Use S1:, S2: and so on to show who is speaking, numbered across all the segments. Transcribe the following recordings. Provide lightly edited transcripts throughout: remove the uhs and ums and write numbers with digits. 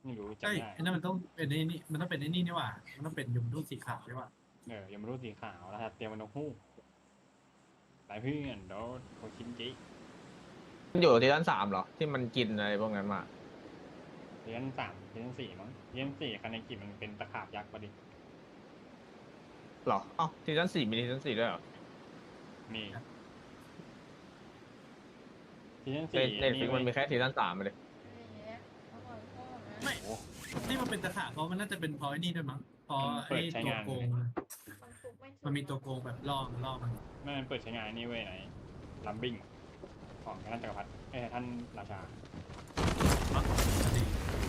S1: ไม่รู้
S2: ใช่
S1: จำไม่ได้
S2: ไอ้นั่นมันต้องเป็นไอ้นี่มันต้องเป็นไอ้นี่นี่หว่ามันต้องเป็นยมทูตสีขาวใช่ป่ะ
S1: ยังไม่รู้สีขาวแล้วครับเตรียมมันนกฮูกไปเพื่อนเดี๋ยวโคชินจิ
S3: มันอยู่ที่ด้าน3เหรอที่มันกินอะไรพวกนั้นมา
S1: ซีซั่น3ซีซั่น4มั้งซีซั่น4คันในกิจมันเป็นตะขาบยักษ์พอดี
S3: เหรอเอ้าซีซั่น4มีซีซั่น4ด้วยเหรอ
S1: มีซีซั่น
S3: ใน
S1: 4
S3: ในฟิกมันมีแค่ซีซั่น3เลย
S2: ไม่ที่มันเป็นตะขาบเพราะมันน่าจะเป็นเพราะไอ้นี่ด้วยมั้งเพราะไอ้ตัวโกงมันมีตัวโกงแบบล่อมัน
S1: ไม่มันเปิดใช้งานนี่เว้ยไหนลัมบิงของท่านจักรพรรดิท่านราชา
S2: ดี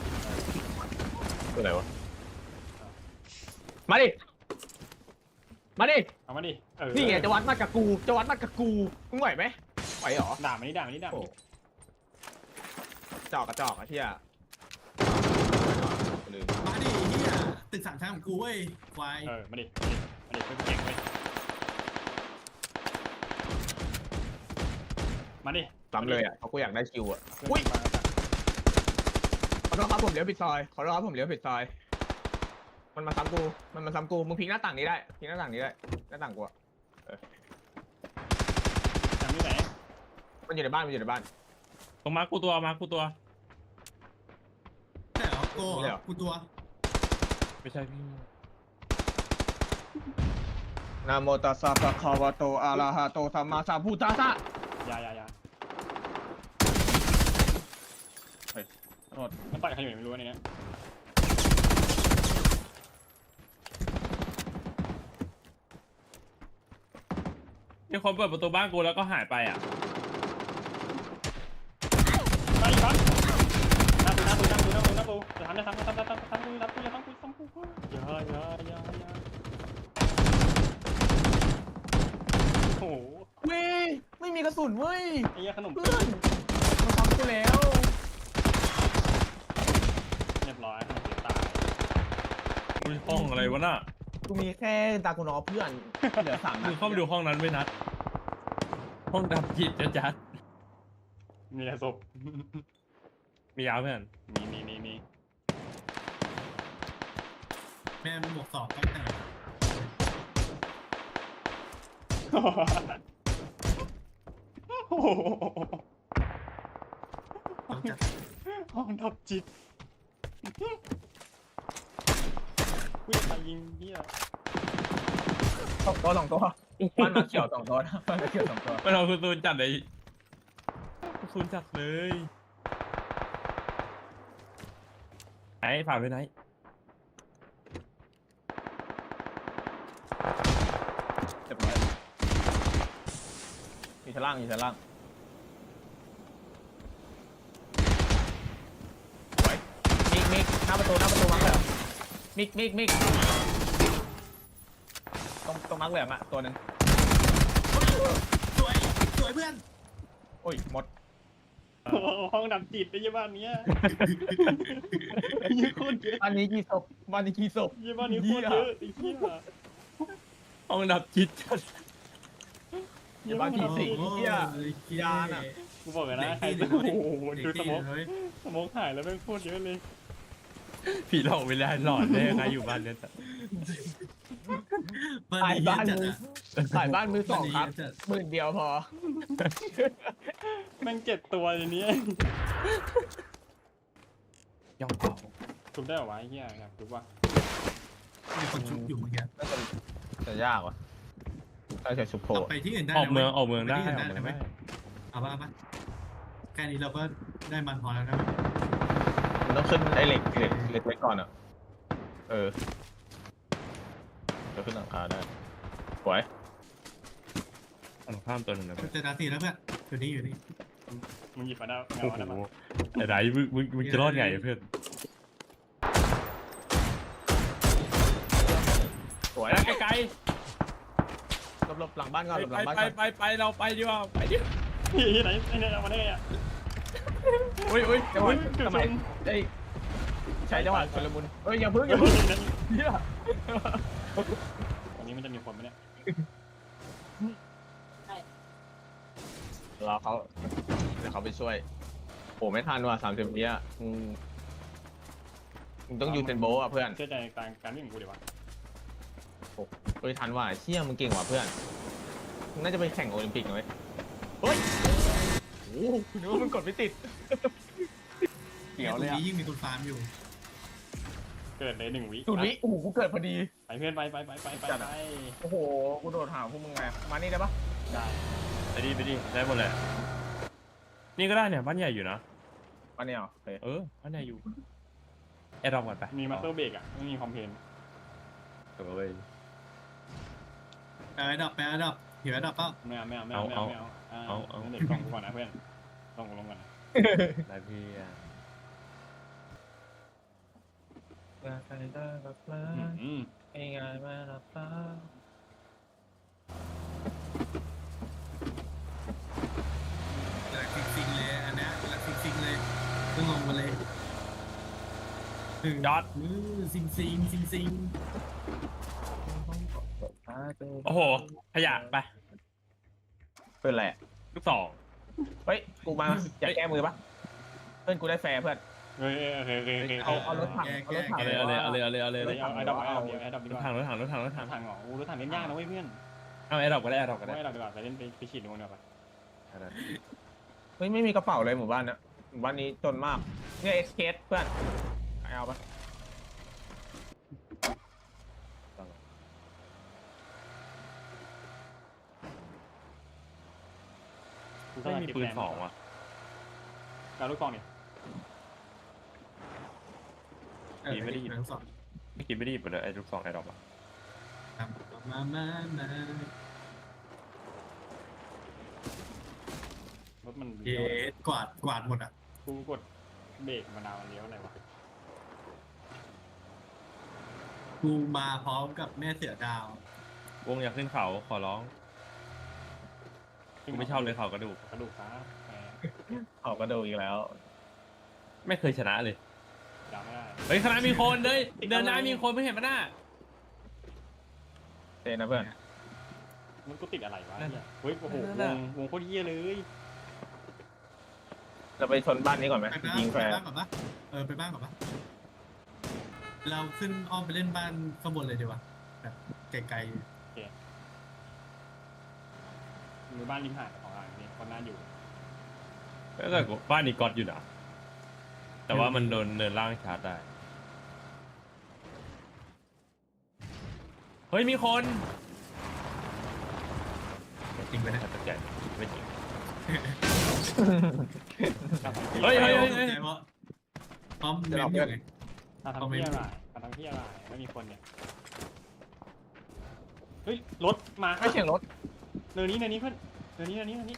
S3: ตัวไหนวะมาดิมาดิ
S1: เอามาดิ
S3: นี่ไงจะวัดมากับกูจะวัดมากับกูมึงไหวไหมไหวเหรอ
S1: ด่ามันนี่ด่ามันนี่ด่ามัน
S3: โอ้
S1: นี่
S3: จอกกระจอกอะเที่ยลืม
S2: มาดิเฮียตึก3 ชั้นของกูเว้ยควาย
S1: มาดิเพื่อนเก่งเว้ยมาดิ
S3: ซ้ำเลยอ่ะเพราะกูอยากได้คิวอ่ะ
S1: เพื่อน
S3: อุ้ย
S1: มาแล้ว
S3: ขอโทษครับผมเลี้ยวผิดซอยขอโทษครับผมเลี้ยวผิดซอยมันมาซ้ำกูมึงพลิกหน้าต่างนี้ได้พลิกหน้าต่างนี้ได้หน้าต่างกูอะ
S1: จำที่ไหน
S3: มันอยู่ในบ้าน
S4: ตรงมากูตัว
S2: ใช่เหรอโก้เหรอกูตัว
S4: ไม่ใช่พี่
S3: นะโมตัสสะภะคะวะโตอะระหะโตสัมมาสัมพุทธัสสะ
S1: ยา
S3: โทษ
S1: มันต่อยใครอยู่ไม่รู้เนี่ย
S4: มีคนเปิดประตูบ้านกูแล้วก็หายไปอ่ะ
S1: ไปครับหน้าปูจะทำได้ทำกูอย่าโอ้โห
S3: เว้ยไม่มีกระสุนเว้ย
S1: ไอ้ยาขนม
S3: เพื่อนมันทำกูแล้ว
S1: เรียบร้อยขนมตาย
S4: อุ้ยห้องอะไรวะน่ะ
S3: กูมีแค่ตากูนอเพื่อนเหลือ3 นั
S4: มึ
S3: ด
S4: งเข้าไปดูห้องนั้นไม่นัด ห้องดับจิตจัด
S1: มีแต่ศพ
S4: มียาวเพื่อน
S1: มี
S2: แม่มันบวก2ตั้งแต่
S1: โอ้โห
S2: ต้องจัด
S1: ห้องดับจิตวิ่งมายิงเหี้ย
S3: 2 ตัวบ้านมาเขียว2 ตัวนะบ้านมาเขียว2 ตัว
S4: ไม่เอาคุณซูนจัดเลยคุณซูนจัดเลยไหนผ่านไปไหน
S3: เรียบร้อยอยู่ชั้นล่างสวยมิกหน้าประตูมาเหรอมิกตรงมาร์คเหลืองอะตัวนึง
S2: สวยเพื่อน
S3: โอ้ยหมด
S1: ห้องดับจิตไอ้ยี่บ้านเนี้ยยี่โคตรเยอะ
S3: บ้านนี้กี่ศพ
S1: ยี่บ้านนี้โคตรเยอะไอ้เหี้ย
S4: ห้องดับจิตจัด
S3: บ้านที่4เหี้ยยานอะ
S1: กูบอกเลยนะใครจะโอ้โหดูสมองหายแล้วแม่งโคตรเยอะเลย
S4: ผีหลอกเวลาหลอนได้ยังไงอยู่บ้านเนี่ย
S2: บ้าน
S3: ขาย
S2: นี้
S3: บ้าน
S2: จัด
S3: มือ
S2: อะ
S3: ขายบ้านมือ 2ครับ
S2: จัด
S3: 10,000 เดียวพอ
S1: แม่ง7 ตัวในนี้
S4: ย่องเป่า
S1: ทุบได้เหรอวะไอ้เหี้ยครับทุบว่า
S2: มีคนชุบอยู่เมื่อกี้
S3: จะยากว่ะถ้าใช้ซุปโพ
S2: เอาไปที่อื่นได้
S4: ออกเมืองได้
S2: ไปที่
S4: อ
S2: อื่
S4: อน ก
S2: ได้
S4: เมือง
S2: ไหม
S4: ได้
S2: เอาป่ะแค่นี้เราก็ได้มันพอแล้วนะ
S3: มันต้องขึ้นไอ้เหล็กไว้ก่อนอ่ะจะขึ้นหลังคาได้สวย
S4: ตรงข้ามตัวหนึ่งนะเพื่อน
S2: เจอนาทีแล้วเพื่อนอยู่นี่
S1: มึงหยิบมาได้
S4: โอ้
S1: เงาได้
S4: โห
S1: มา
S4: ไอ้ไรมึงจะรอดไงเพื่อน
S3: สวย
S4: ไกล
S3: หลบหลังบ้านก่อนหลบหลังบ้าน
S4: ไป
S3: ก่อน
S4: ไปเราไปดีกว่าไปดิ
S1: ที่ไหนไอ้เนี่ยเอามาได้ไงอ่ะ
S4: อุ้ย
S3: จังหวะสมัยใช้จังหวะชุลมุนอย่าพึ่งเนี่ย
S1: ตรงนี้มันจะมีคนไหมเนี่ย
S3: รอเขาเดี๋ยวเขาไปช่วยโอ้ไม่ทันว่ะ30 วิอ่ะมึงต้องยูเซนโบว์อ่ะเพื่อน
S1: เชื่อใจในการวิ่งของกูดีวะ
S3: เฮ้ยทันว่ะเชี่ยมึงเก่งว่ะเพื่อนมึงน่าจะไปแข่งโอลิมปิกหน่อยเฮ้ยโอ้โหนึกว่ามึงกดไม่ติดเกี่ยว
S2: ตร
S3: เล
S2: ง
S3: ยอ่ะ
S2: นี้ยิ่งมีคนฟาร์มอยู่
S1: เกิดเลย1 วิ
S3: จุดนี้โอ้โหกูเกิดพอดี
S1: ไปเพื่อนไป
S3: จัดอะ โอ้โหกูโดดหาพวกมึงไงมานี่ได้ปะ
S1: ได้
S4: ไปดิได้หมดเลยนี่ก็ได้เนี่ยบ้านใหญ่อยู่นะ
S3: มาเนี่ยเหรอโอเค
S4: บ้านใหญ่อยู่แอร์ดรอปก่อนไป
S1: มีมาสเตอร์เบรกอ่ะไม่มีคอมเพลน
S4: เว้ย
S2: แปลดับหิวดับเปล่า
S1: ไม่เอา
S4: เอา
S1: งั้นเด็กกล่องกูก่อนนะเพื่อนลงก่อนนะ
S4: ได้พี่อ่ะ
S1: อืม
S4: ง่ายมากนะป้า
S2: หลักซิงเลยอันเนี้ยหลักซิงเลยต้องลงมาเลย
S4: ยอด
S2: ซิง
S4: โอ้โหขยะไป
S3: เป็นไรอะ
S4: ลูกสอง
S3: เฮ้ยกูมาอยากแก้มือปะเพื่อนกูได้แฟร์เพื่อน
S1: เฮ้ยโอเค
S3: เอารถถังเอารถถัง
S4: เอาเลย
S1: เอาไอ้ดอกไอ้ดอกดี
S4: ร
S1: ก
S4: ถ
S1: ว่า
S4: ถัง
S1: รถถังเหรอรถถังเล่นยากนะเว้ยเพื่อน
S4: เอาแอร์ดรอปก็ได้แอร์ดรอปก็ได้
S1: ไอ้ดอกดีกว่าไปเล่นไปฉีดดูดีกว่า
S3: เฮ้ยไม่มีกระเป๋าเลยหมู่บ้านเนี้ยหมู่บ้านนี้จนมากเนี่ยเอสเคสเพื่อนเอาปะ
S4: ไม่มีปืนสองว่ะ
S1: การลูกกองนี่
S2: ทั้งสอง
S4: ไม่กินไม่ได้หยิบไปเลยไอ้ลูกสองแอร์ดรอปอ่ะ
S2: มา
S1: รถมัน
S2: เย็ดกวาดหมดอ่ะ
S1: กูกดเบรกมานาวเลี้ยวอะไรวะ
S2: กูมาพร้อมกับแม่เสือดาว
S4: วงอยากขึ้นเขาขอร้องกูไม่ชอบเลยเขากระดูก
S1: กระดูกขา
S3: ออกกระดูกอีกแล้ว
S4: ไม่เคยชนะเลย
S1: ด่าไม่ได้
S4: เฮ้ยคณะมีคนเลยเดินหน้ามีคนไม่เห็นปะหน้า
S3: เจนะเพื่อน
S1: มันกูติดอะไรวะเนี่ยเฮ้ยโอ้โหวงโคตรเยี่ยเลย
S3: เราไปชนบ้านนี้ก่อนไหม
S2: ไปบ้าน
S3: ยิงแฟร์
S2: ก่อนปะไปบ้านก่อนปะเราขึ้นอ้อมไปเล่นบ้านข้างบนเลยดีกว่าแบบไกล
S1: มีบ้านริมหาดของอ่างนี่คนน่าอยู่
S4: แต่บ้านนี้ก๊อตอยู่นะแต่ว่ามันโดนเนินล่างชาร์จได้เฮ้ยมีคน
S2: ๆจริงไปนะ
S4: ตัดใจไม่จริง
S1: เฮ้ย
S2: เพราะพร้อมเล่นอยู่ไง
S1: ทำเที่ยอะไรไม่มีคนเนี่ยเฮ้ยรถมา
S3: ไม่เสียงรถ
S1: เนินนี้เพื่อนเนินนี้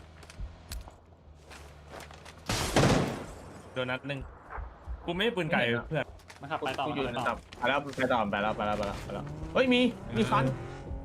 S4: โดนนัดหนึ่งกูไม่ได้ปืนไก่เพื่อน
S1: มาขับไปต่อ
S3: กูอยู่
S1: ไป
S3: ใน
S1: ต่อ
S3: ตับไปแล้วเฮ้ยมีคัน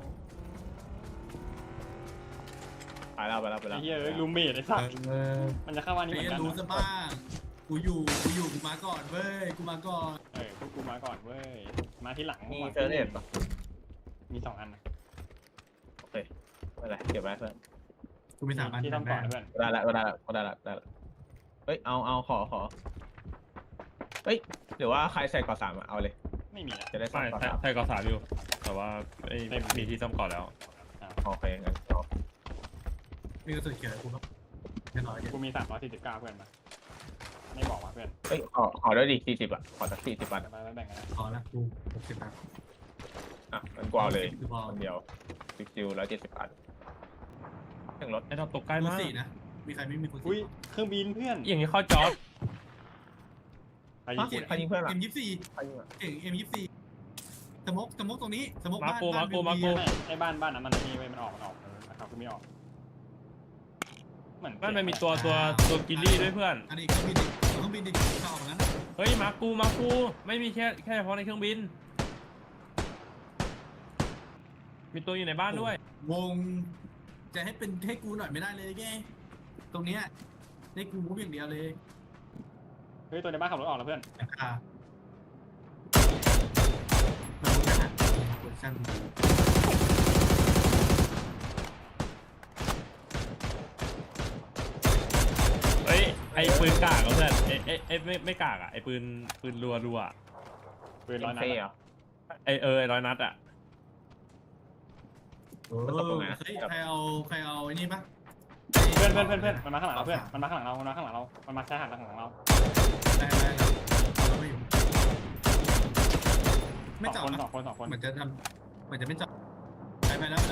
S3: ไปแล้ว
S1: ไอ้เหี้ยลูเมดไอ้สัสมันจะเข้าวันนี้เหมือนกัน
S2: รู้ซะบ้างกูอยู่กูมาก่อนเว้ยกูมาก่อน
S1: พวกกูมาก่อนเว้ยมาที่หลัง
S3: มีเฟรเรตปะ
S1: มี2 อันนะ
S3: โอเคไม่เป็นไรเก็บไว้เพื่อน
S2: กูมี3 อัน
S1: ที่ต้องก่อนเพื่อน
S3: ได้ละเฮ้ยเอาขอเฮ้ยหรือว่าใครใส่ก่อ3เอาเลย
S1: ไม่มีนะ
S3: จะได้ใส่
S4: ใช่
S3: ก่อ
S4: ใช่ก่อสามอยู่แต่ว่าไม่มีที่ซ่อมก่อนแล้ว
S3: 3โอเคงั้นเอา
S2: มีกระสุนเขียวกูครับแน่นอน
S1: กูมี349เพื่อนมาไม่บอกว่าเพื่อน
S3: เฮ้ยขอด้วยดิ40ขอสัก40บาท
S1: ไปแบ่งกันนะ
S2: พอละกู60 บาท
S3: มันกว่าเลย
S2: คือพอ
S3: คนเดียวซิว170 บาทถึงรถ
S4: ไอ้ดอกตกใกล้
S2: คู
S4: มาก
S2: 4นะมีใครไม่มีคู
S1: อุ้ย
S2: 4
S1: เครื่องบินเพื่อน
S4: อย่างนี้เข้าจอด
S1: ไปญี่ปุ่น
S3: ใครยิงเพื่อนล่ะ
S2: M24
S3: ใครยิงอ่ะ
S2: เก่ง M24 สมกตรงนี้สมก
S4: มา
S2: บ้าน
S4: กู
S1: ไอ้บ้านนั้นมันนี่เว้ยมันออกนะครับกูไม่ออกเหมือน
S4: มันมีตัวกิลลี่ด้วยเพื่อน
S2: อันนี้เครื่องบินดิเข้าออกนั้น
S4: เฮ้ยมากูไม่มีแค่เฉพาะในเครื่องบิน มีตัวอยู่ในบ้านด้วย
S2: วงจะให้กูหน่อยไม่ได้เลยแกตรงเนี้ยให้กูมุกอย่างเดียวเลย
S1: เฮ้ยตัวในบ้านขับรถออกแล้วเพื่อน
S2: มันก็หาโพซิชั่น
S4: เฮ้ยไอ้ปืนกากอะเพื่อนไอ้ไม่กากอะไอ้ปืนรัว
S1: ปืนร้อยนัด
S3: เฟ่
S1: อะ
S3: เหรอ
S4: ไอ้ร้อยนัดอ่ะ
S3: มันตกตรงไหน
S2: เฮ้ยใครเอาไอ้นี่ปะ
S1: เพื่อนมันมาข้างหลังเราเพื่อนมันมาข้างหลังเรามันมาข้างหลังเรามันมาชายหาดข้างหลังเรา
S2: ได้ไม่จอด
S1: สองคน
S2: เหมือนจะไม่จอดไปแล้ว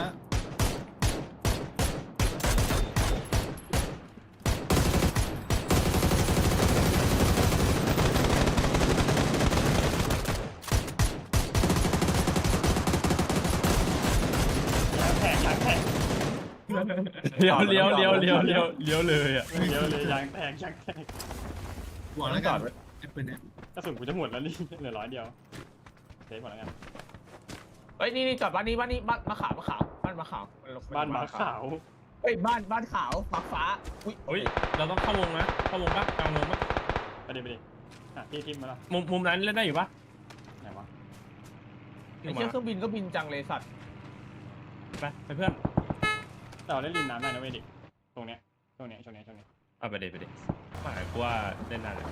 S1: ยางแตก
S4: เลี้ยวเลยอ่ะ
S1: เยอะเลยยางแตก
S2: บอกแล้วกันไอ้ปืนเนี่ย
S1: กระสุนกูจะหมดแล้วนี่เหลือ100เดียวเซฟหมดแล้วกัน
S3: เฮ้ยนี่จอดบ้านนี้บ้านมะขาวบ้านมะขาว
S1: บ้านหมาขาว
S3: เฮ้ยบ้านขาวฟ้าฟ้าอุ้ย
S4: เฮ้ยเราต้องเข้าวงนะเข้าวงปะกลางวงปะ
S1: ไปดิที่ทิมมาละ
S4: มุมนั้นเล่นได้อยู่ปะ
S1: ไหนวะ
S3: ไอ้เชี่ยเครื่องบินก็บินจังเลยสัตว์
S4: ไปเพื่อน
S1: แต่เราเล่นริมน้ำได้นะเว้ยดิตรงเนี้ยช่วงนี้
S4: เอาไปเด็หมายกูว่าเล่นได้เลย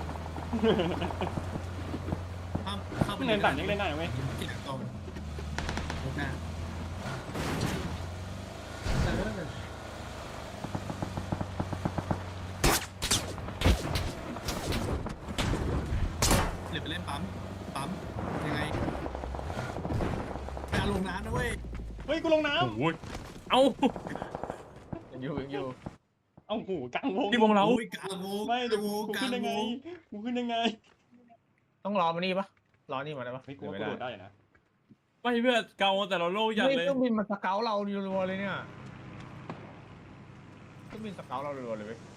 S2: เข้าไป
S1: เนินต่ำยังเล่นได้นะเว้ย
S2: ที่หลังตรงหน้าเดี๋ยวไปเล่นปั๊มยังไงการลงน้ำนะเว้ย
S1: เฮ้ยกูลงน้
S4: โอ้ยเอ้า
S3: อยู่
S1: ำเอ้าหูกลางวง
S4: ที่วงเรา
S2: โอ้ยกลางวง
S1: ไม่เดี๋ยว
S2: ก
S1: กู
S2: ลา
S1: ขึ้น
S2: ง
S1: ยัง
S2: ว
S1: ไง
S2: ง
S1: กูขึ้นยังไง
S3: ต้องรอมานี่ปะรอนี่มาได้ปะ
S1: เฮ้ยกูว่ากูโดดได้อยู่นะ
S4: ไม่เพื่อนเกาแต่เราโล่ยัด
S3: เฮ้ย
S4: เลย
S3: เครื่องบินมาสเกลเรารัวๆเลยเนี่ยเครื่องบินสเกลเรารัวๆเลยเว้ย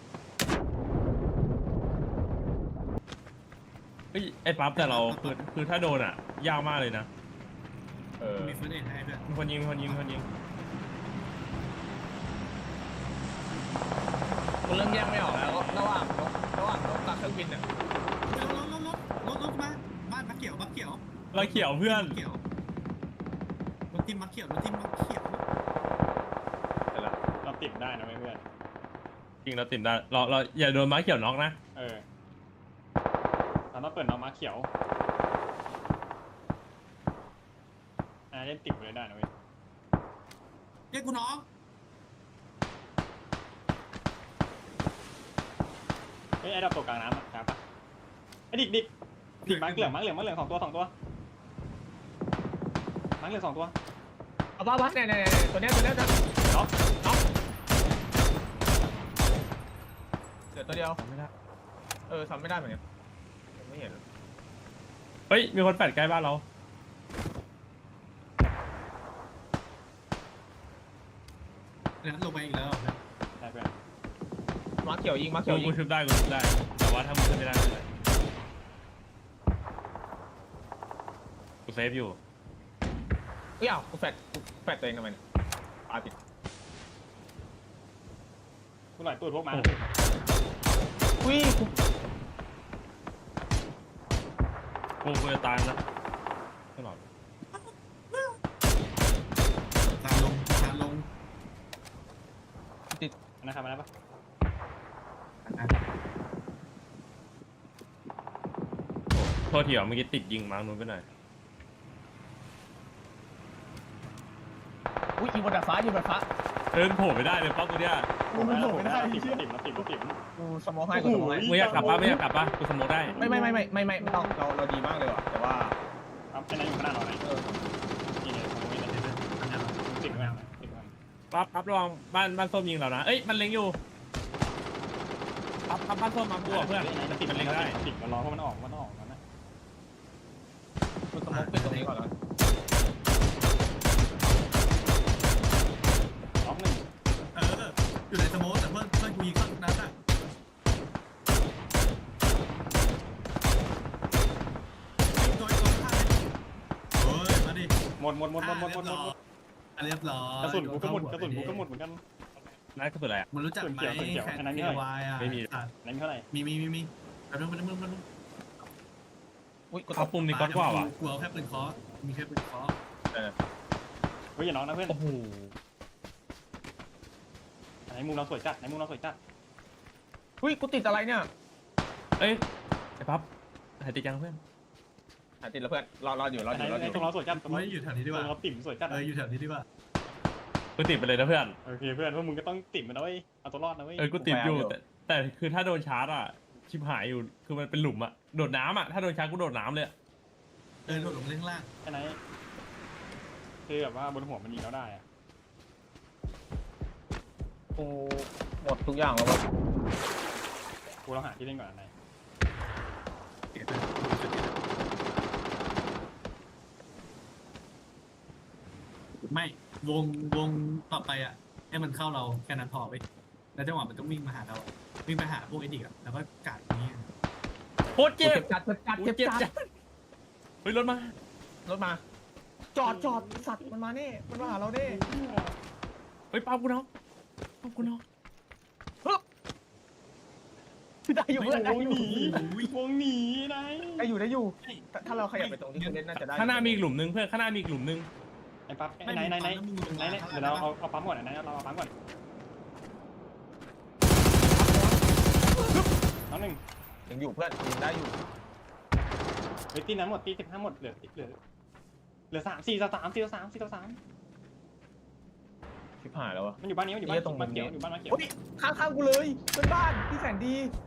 S4: เฮ้ยไอ้ปั๊บแต่เราคือถ้าโดนอ่ะยากมากเลยนะ
S2: มีเฟิร์สเอ็ดให้ด้วย
S4: มีคนยิง
S3: กูเริ่มแยกไม่ออกแล้วระหว่างนกกับเครื่องบินเนี่ย
S2: รถมาบ้านมะเขียว
S4: เราเขียวเพื่อน
S2: เขียวรถทิมมะเขียว
S1: เราติดได้นะเว้ยเพื่อน
S4: จริงเราติดได้เราอย่าโดนม้าเขียวน็อกนะ
S1: เราต้องเปิดน้องม้าเขียวเล่นติดเลยได้นะเว้ย
S2: เรียกกูน้อง
S1: เฮ้ยไอ้ดับตกกลางน้ำครับปะไอ้ดิกม้าเหลือง2 ตัวม้าเหลือง2 ตัวม้าเหลือง2 ตัว
S3: เอาบ้าเนี่ยตัวเนี้ย
S1: น็อก
S3: เดี๋ยวตัวเดียว
S4: ไม่ได้
S3: ทำไม่ได้เหมือนกันไม่เห็น
S4: เฮ้ยมีคนแปดใกล้บ้านเรา
S2: ลงไปอีกแล้ว
S1: ได้เพื่อน
S3: มาเขียวยิง
S4: กูชุบได้แต่ว่าถ้ามึงขึ้นไม่ได้ไม่เป็นไรกูเซฟอยู่
S3: เอ้ยกูแฟดตัวเองทำไมเนี่ยปาติด
S1: กูหน่อยตูดพวกม้า
S3: อุ้ย
S4: กูจะตายนะตลอด
S2: ทางลง
S1: นะครับมาได้ปะ
S4: โทษทีอ่ะเมื่อกี้ติดยิงมาร์กนู้นไปหน่อย
S3: อุ้ยยิงบนดาดฟ้า
S4: โผล่ไม่ได้เลยปั๊บกูเนี่ย
S3: มันโผล่ไม่ได้
S1: ติด
S3: กูสมองให้กูสมองให้
S4: มึงอยากกลับปะกูสโมกได้
S3: ไม่ต้องเราดีมากเลยว่ะแต่ว่า
S1: ครับไอ้นั่นอยู่ข้างหน้าเราไหนนี่เนี่ยตรงนี้เลยติดไม่เอาติดไม่เอา
S4: ปั๊บระวังบ้านส้มยิงเรานะเอ้ยมันเล็งอยู่ปั๊บบ้านส้มมาบวกเพื่อน
S1: มันติด
S4: มัน
S1: เล็
S4: เล็
S1: ง
S4: ง
S1: ได้
S4: ได้
S1: ติดมันรอเพราะมันออกนั่นนะ
S3: กูสมองเป็นตรงนี้ก่อนแล้ว
S1: ล็อก1
S2: อยู่ในสโมสแต่เพื่อนกูยิงเข้านั้นอ่ะตัวข้างโอ้ยมาดิ
S1: หมด
S2: เรียบร้อย
S1: กระสุนกูก็หมดเหมือนกัน
S4: นั่นก็คืออะไรอ่ะ
S2: มันรู้จักไหม
S1: เขียว
S2: แคน
S1: อันนั้น
S2: เท
S1: ไม่เท่าไหร่
S2: วายอ่ะ
S1: ไหนเท่าไหร่
S2: มีแป๊บนึง
S3: อุ้ยกู
S4: เอาปุ่มนี้ก็กว่าว่ะ
S2: กูเอาแค่ปืนเคาะมีแค่ปืนเคาะ
S1: เฮ้ยอย่าน้องนะเพื่อน
S4: โอ้โห
S1: ไหนมุมเราสวยจัด
S3: อุ้ยกูติดอะไรเนี่ย
S4: เอ้ยไอ้ปั๊บหายติดยังเพื่อน
S3: ติดแล้วเพื่อนรออยู่
S1: ไอ้ตรงเราสวยจัดตรง
S2: ไม่
S1: เรา
S2: อยู่แถวนี้ดี
S1: ต
S2: ก
S1: ร
S2: ว่าง
S1: เราติ่มสวยจัด
S2: อยู่แถวนี้ดีกว่า
S4: กูติดไปเลยนะเพื่อน
S1: โอเคเพื่อนพวกมึงก็ต้องติ่มมันนะเว้ยเอาตัวรอดนะเว้ย
S4: กูติดอยู่แต่คือถ้าโดนชาร์จอ่ะชิบหายอยู่คือมันเป็นหลุมอ่ะโดดน้ำอ่ะถ้าโดนชาร์จกูโดดน้ำเลยอะ
S2: โดดลงเล่างล่าง
S1: แค่ไหนคือแบบว่าบนหัวมันยิงแล้วได้อะ
S3: กูหมดทุกอย่างแล้ววะ
S1: กูเราหาที่เล่นก่อนไหน
S2: ไม่วงต่อไปอ่ะให้มันเข้าเราแค่นั้นพอไปแล้วจังหวะมันต้องวิ่งมาหาเราวิ่งไปหาพวกไอ้ดิกอ่ะแล้วก็กาดนี้
S4: โคตรเจ็บ
S3: จัด
S4: กูเจ็บจัดเฮ้ยรถมา
S3: รถมา จอดสัตว์มันมาเน่มันมาหาเราเน่
S4: เฮ้ยป้ากูน้อง
S3: ได้อยู่เพื่อนได้
S1: วง
S3: อยู่
S1: หนีวงหนีไหน
S3: ได้อยู่ถ้าเราขยับไปตรงที่คุณเล่นน่าจะได้
S4: ข้างหน้ามีอีกหลุมนึงเพื่อนข้างหน้ามีอีกหลุมนึง
S1: ไอ้ปั๊บไหนเดี๋ยวเราเอาปั๊มก่อนไหนเราเอาปั๊มก่อนน้องหนึ่ง
S3: ยังอยู่เพื่อนยังได้อยู่
S1: เฮ้ยตีนั้นหมดตี15หมดเหลือ3 4 3
S3: ชิบหายแล้ววะ
S1: มันอยู่บ้านนี้มันอยู่บ้านตรงบ้านเขียวอยู่บ้านมาเขียว
S3: โอ้ยข้างกูเลยเพื่อนบ้านที่แสนดี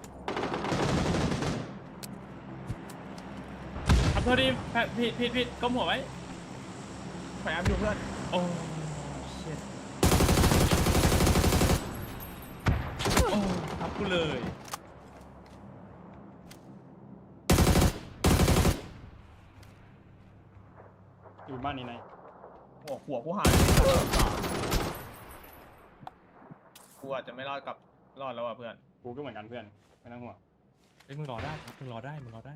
S4: ขับโทษดีผิดก้มหัวไว้
S3: พยายามอยู่เพื่อน
S4: โอ้เชิตโอ้ทับกูเลย
S1: อยู่บ้านนี้ไหน
S3: หัวกูหายกูอาจจะไม่รอดแล้วอ่ะเพื่อน
S1: กูก็เหมือนกันเพื่อนไม่ต้องห่วง
S4: เฮ้ยมึงรอได้ครับมึงรอได้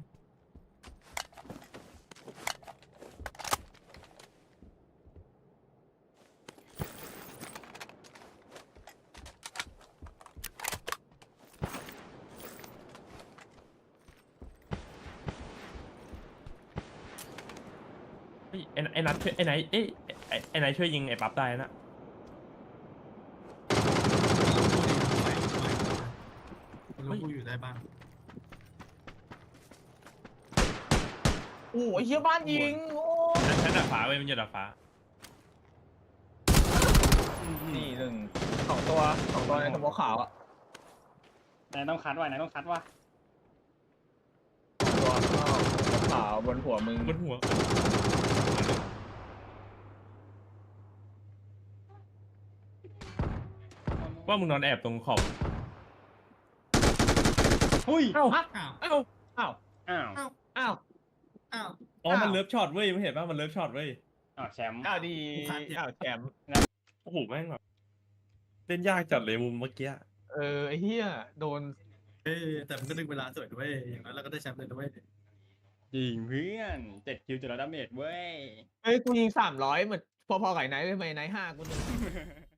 S4: เฮ้ยไอ้นัทช่วยไอ้ไหนไอ้ไหนช่วยยิงไอ้ปั๊บได้นะ
S2: รู้กูอยู่ได้บ้าง
S3: โอ้ยเฮียบ้านยิงโอ้
S4: ชั้นดาดฟ้าเว้ยมันอยู่ดาดฟ้า
S3: นี่หนึ่งสองตัวในสมองขาวอ่ะ
S1: ไหนต้องคัดว่ะไหนต้องคัดว่ะ
S3: ตัวขาวบนหัวมึง
S4: บนหัวว่ามึงนอนแอบตรงขอบ
S1: หุ้ย
S4: เอ้า
S2: อ้าว
S3: อ้าว
S1: อ้าว
S3: อ้าว
S2: อ้าว
S4: อ๋อมันเลิฟช็อตเว้ยไม่เห็นป่ะมันเลิฟช็อตเว้ย
S1: แชมป์
S3: อ้าวดีอ้าวแชมป์
S4: โอ้โหแม่งแบบเล่นยากจัดเลยมุมเมื่อกี้
S3: ไอ้เหี้ยโดน
S2: แต่มันก็ดึงเวลาสวยด้วยอย่างนั้นเราก็ได้แชมป์เลยด้วย
S1: ยิงเพื่อน7 คิว700 ดาเมจเว้ย
S3: กูยิง300เหมือนพอๆกับไอ้ไนท์ไปไหมไนท์5กูหนึ่ง